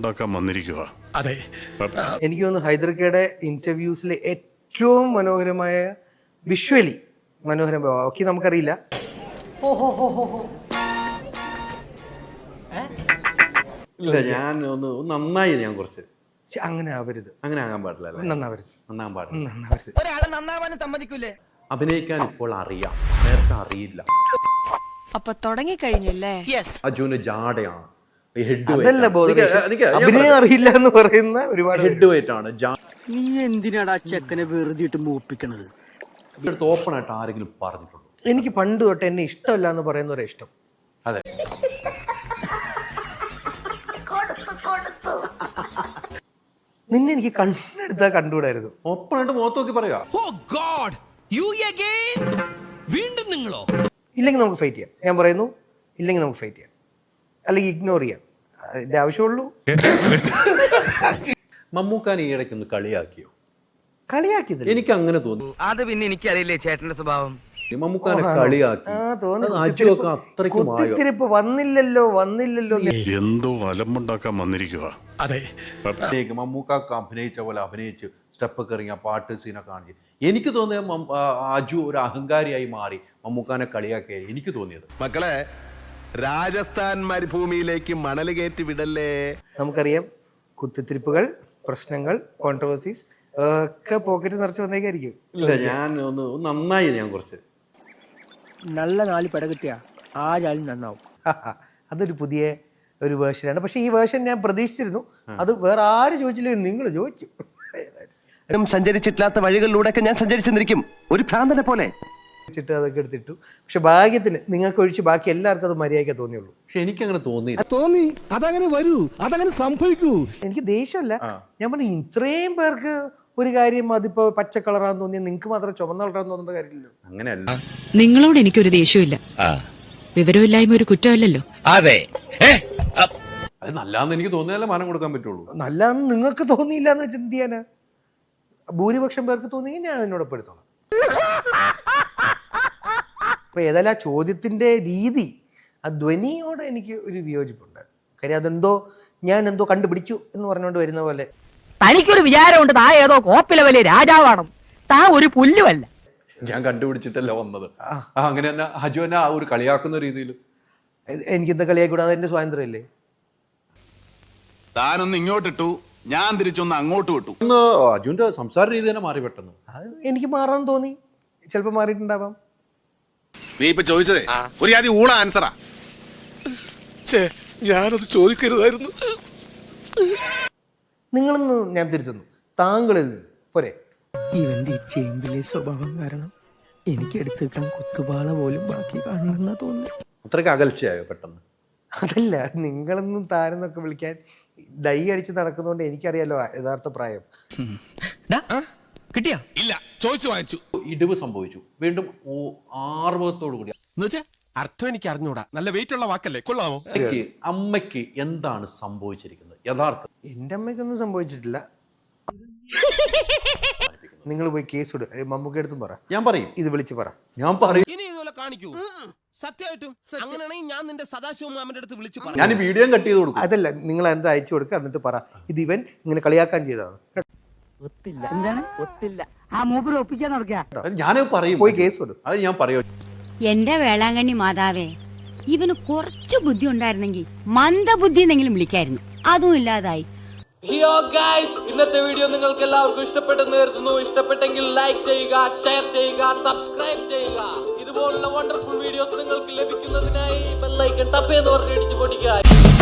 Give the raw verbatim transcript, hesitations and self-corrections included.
അലമ്പുണ്ടാക്കാൻ വന്നിരിക്കുക. അതെ, എനിക്ക് തോന്നുന്നു ഹൈദർക്കയുടെ ഇന്റർവ്യൂസിലെ ഏറ്റവും മനോഹരമായ വിഷ്വലി മനോഹരം. ഓക്കെ, നമുക്കറിയില്ല. ഇല്ല, ഞാൻ ഒന്ന് നന്നായി ഞാൻ കുറച്ച് അങ്ങനെ ആവരുത്, അങ്ങനെ ആകാൻ പാടില്ല. നന്നാവരുത്, നന്നാൻ പാടില്ല. നന്നാവരുത്. ഒരാളെ നന്നാവാനും സമ്മതിക്കൂലേ? അഭിനയിക്കാൻ ഇപ്പോൾ അറിയാം, നേരത്തെ അറിയില്ല. അപ്പൊ തുടങ്ങിക്കഴിഞ്ഞല്ലേ? അജുവിന് ജാടയാണ്, അതല്ല അഭിനയം അറിയില്ല എന്ന് പറയുന്ന ഒരുപാട് ഹെഡ് വെയിറ്റ് ആണ്. നീ എന്തിനാടാ ചെക്കനെ വെറുതെ ഇട്ട് മൂപ്പിക്കണത്? ഓപ്പൺ ആയിട്ട് ആരെങ്കിലും പറഞ്ഞിട്ടുണ്ടോ? എനിക്ക് പണ്ട് തൊട്ട് എന്നെ ഇഷ്ടമല്ല എന്ന് പറയുന്നവരെ ഇഷ്ടം. അതെ, നിന്നെ എനിക്ക് കണ്ണെടുത്താൽ കണ്ടുകൂടായിരുന്നു. ഓപ്പൺ ആയിട്ട് മുഖത്ത് നോക്കി പറയാ. വീണ്ടും നിങ്ങളോ? ഇല്ലെങ്കിൽ നമുക്ക് ഫൈറ്റ് ചെയ്യാം. ഞാൻ പറയുന്നു, ഇല്ലെങ്കിൽ നമുക്ക് ഫൈറ്റ് ചെയ്യാം, അല്ലെങ്കിൽ ഇഗ്നോർ ചെയ്യാം. അതിന്റെ ആവശ്യമുള്ളൂ. മമ്മൂക്കാൻ ഈ ഇടയ്ക്ക് ഒന്ന് കളിയാക്കിയോ? കളിയാക്കിയതില്ല, എനിക്ക് അങ്ങനെ തോന്നി. അത് പിന്നെ എനിക്കറിയില്ലേ ചേട്ടന്റെ സ്വഭാവം. മമ്മൂക്കാനെ കളിയാക്കി. കുത്തിത്തിരിപ്പ് വന്നില്ലല്ലോ വന്നില്ലല്ലോ എന്തോ അലമ്പുണ്ടാക്കാൻ വന്നിരിക്കുക. അതെ, മമ്മൂക്കാക്ക് അഭിനയിച്ച പോലെ അഭിനയിച്ച് സ്റ്റെപ്പൊക്കെ ഇറങ്ങിയ പാട്ട് സീനൊക്കെ കാണിച്ചു. എനിക്ക് തോന്നിയ അജു ഒരു അഹങ്കാരിയായി മാറി മമ്മൂക്കാനെ കളിയാക്കിയായി എനിക്ക് തോന്നിയത്. മക്കളെ, രാജസ്ഥാൻ മരുഭൂമിയിലേക്ക് മണൽ കയറ്റി വിടല്ലേ. നമുക്കറിയാം, കുത്തിത്തിരിപ്പുകൾ, പ്രശ്നങ്ങൾ, കോൺട്രവേഴ്സീസ് ഒക്കെ പോക്കറ്റ് നിറച്ച് വന്നേക്കായിരിക്കും. ഇല്ല, ഞാൻ ഒന്ന് നന്നായി ഞാൻ കുറച്ച് നല്ല നാല് പെട കിട്ടിയ ആരാളും നന്നാവും. അതൊരു പുതിയ ഒരു വേർഷനാണ്. പക്ഷെ ഈ വേർഷൻ ഞാൻ പ്രതീക്ഷിച്ചിരുന്നു. അത് വേറെ ആര് ചോദിച്ചില്ല, നിങ്ങൾ ചോദിച്ചു. സഞ്ചരിച്ചിട്ടില്ലാത്ത വഴികളിലൂടെയൊക്കെ ഞാൻ സഞ്ചരിച്ചെന്നിരിക്കും, ഒരു ഭ്രാന്തനെ പോലെ. ചിട്ട് അതൊക്കെ എടുത്തിട്ടു. പക്ഷെ ഭാഗ്യത്തിന് നിങ്ങൾക്ക് ഒഴിച്ച് ബാക്കി എല്ലാവർക്കും അത് മര്യാദയ്ക്ക് തോന്നിയുള്ളൂ. പക്ഷെ എനിക്കങ്ങനെ തോന്നി തോന്നി അതങ്ങനെ വരൂ, അതങ്ങനെ സംഭവിക്കൂ. എനിക്ക് ദേഷ്യമല്ല, ഞാൻ പറഞ്ഞു ഇത്രയും പേർക്ക് ഒരു കാര്യം അതിപ്പോ പച്ച കളറാന്ന് തോന്നിയാൽ നിങ്ങൾക്ക് മാത്രം ചുമന്ന കളറാന്ന് തോന്നേണ്ട കാര്യമില്ലല്ലോ. അങ്ങനെയല്ല, നിങ്ങളോട് എനിക്കൊരു ദേഷ്യമില്ല. വിവരമില്ലായ്മ ഒരു കുറ്റമല്ലല്ലോ. അതെ, അത് നല്ലാന്ന് എനിക്ക് തോന്നിയാലേ മാനം കൊടുക്കാൻ പറ്റുള്ളൂ. നല്ലാന്ന് നിങ്ങൾക്ക് തോന്നിയില്ല എന്ന് വെച്ചാൽ എന്ത് ചെയ്യാനാ? ഭൂരിപക്ഷം പേർക്ക് തോന്നിയെങ്കിൽ ഞാൻ അതിനോട് പെടുത്തോളാം. അപ്പൊ ഏതായാലും ആ ചോദ്യത്തിന്റെ രീതി, ആ ധ്വനിയോട് എനിക്ക് ഒരു വിയോജിപ്പുണ്ട്. കാര്യം അതെന്തോ ഞാൻ എന്തോ കണ്ടുപിടിച്ചു എന്ന് പറഞ്ഞുകൊണ്ട് വരുന്ന പോലെ. തനിക്കൊരു വിചാരമുണ്ട് താ ഏതോ കോപ്പിലെ വലിയ രാജാവാണ്, താ ഒരു പുല്ലുമല്ല. ഞാൻ കണ്ടുപിടിച്ചിട്ടല്ല വന്നത്. അങ്ങനെ തന്നെ അജു തന്നെ ആ ഒരു കളിയാക്കുന്ന രീതിയിൽ എനിക്കെന്താ കളിയാക്കൂടാ? അതെന്റെ സ്വാതന്ത്ര്യമല്ലേ. താനൊന്ന് ഇങ്ങോട്ടിട്ടു, ഞാൻ തിരിച്ചൊന്ന് അങ്ങോട്ട് വിട്ടു. ഇന്ന് അജുവിന്റെ സംസാര രീതി തന്നെ മാറി പെട്ടെന്ന്. അത് എനിക്ക് മാറാൻ തോന്നി, ചിലപ്പോൾ മാറിയിട്ടുണ്ടാവാം. നീ ഇപ്പൊ ചോദിച്ചതേ ഒരു ആദ്യം ഊള ആൻസറാ. ഞാനത് ചോദിക്കരുതായിരുന്നു. നിങ്ങളൊന്ന് ഞാൻ തിരുത്തുന്നു, താങ്കളിൽ നിന്ന് പോരെ. ഇവന്റെ ഈ ചേമ്പിലെ സ്വഭാവം കാരണം എനിക്ക് എടുത്തേക്കാൻ കുത്തുപാള പോലും ബാക്കി കാണുന്ന തോന്നുന്നു. അത്രയ്ക്ക് അകൽച്ചയായോ പെട്ടെന്ന്? അതല്ല, നിങ്ങളൊന്നും താരെന്നൊക്കെ വിളിക്കാൻ ഡൈ അടിച്ച് നടക്കുന്നതുകൊണ്ട് എനിക്കറിയാലോ യഥാർത്ഥ പ്രായം. കിട്ടിയാ? ഇല്ല, ചോദിച്ചു വാങ്ങിച്ചു. ഇടിവ് സംഭവിച്ചു. വീണ്ടും ആർവത്തോടു കൂടി. അർത്ഥം എനിക്ക് അറിഞ്ഞൂടാ, നല്ല വെയിറ്റ് ഉള്ള വാക്കല്ലേ, കൊള്ളാമോ? അമ്മയ്ക്ക് എന്താണ് സംഭവിച്ചിരിക്കുന്നത് യഥാർത്ഥം? എന്റെ അമ്മയ്ക്കൊന്നും സംഭവിച്ചിട്ടില്ല. നിങ്ങൾ പോയി കേസ് ഇടുക, മമ്മൂക്ക എടുത്തും പറ. ഞാൻ പറയും, ഇത് വിളിച്ച് പറ. ഞാൻ പറയും. ഇനി ഇതുപോലെ കാണിക്കൂ. സത്യമായിട്ടും അങ്ങനെയാണെങ്കിൽ ഞാൻ നിന്റെ സദാശിവം മാമന്റെ അടുത്ത് വിളിച്ചു പറ. ഞാൻ വീഡിയോ കട്ട് ചെയ്ത് കൊടുക്കും. അതല്ല, നിങ്ങൾ എന്താ അയച്ചു കൊടുക്കുക, എന്നിട്ട് പറ ഇത് ഇവൻ ഇങ്ങനെ കളിയാക്കാൻ ചെയ്തതാണ്. ഞാൻ പറയും, പോയി കേസ് ഇടും. അത് ഞാൻ പറയും. എന്റെ വേളാങ്കണ്ണി മാതാവേ, ഇവന് കുറച്ചു ബുദ്ധി ഉണ്ടായിരുന്നെങ്കിൽ മന്ദബുദ്ധി എന്നെങ്കിലും വിളിക്കായിരുന്നു. അതും ഇല്ലാതായി. ഹിയോ ഗൈസ്, ഇന്നത്തെ വീഡിയോ നിങ്ങൾക്ക് എല്ലാവർക്കും ഇഷ്ടപ്പെട്ടെന്ന് കരുതുന്നു. ഇഷ്ടപ്പെട്ടെങ്കിൽ ലൈക്ക് ചെയ്യുക, ഷെയർ ചെയ്യുക, സബ്സ്ക്രൈബ് ചെയ്യുക. ഇതുപോലുള്ള വണ്ടർഫുൾ വീഡിയോസ് നിങ്ങൾക്ക് ലഭിക്കുന്നതിനായി ബെൽ ഐക്കൺ ടപ്പ് എന്ന് പറഞ്ഞ് ഇടിച്ചു പൊടിക്കുക.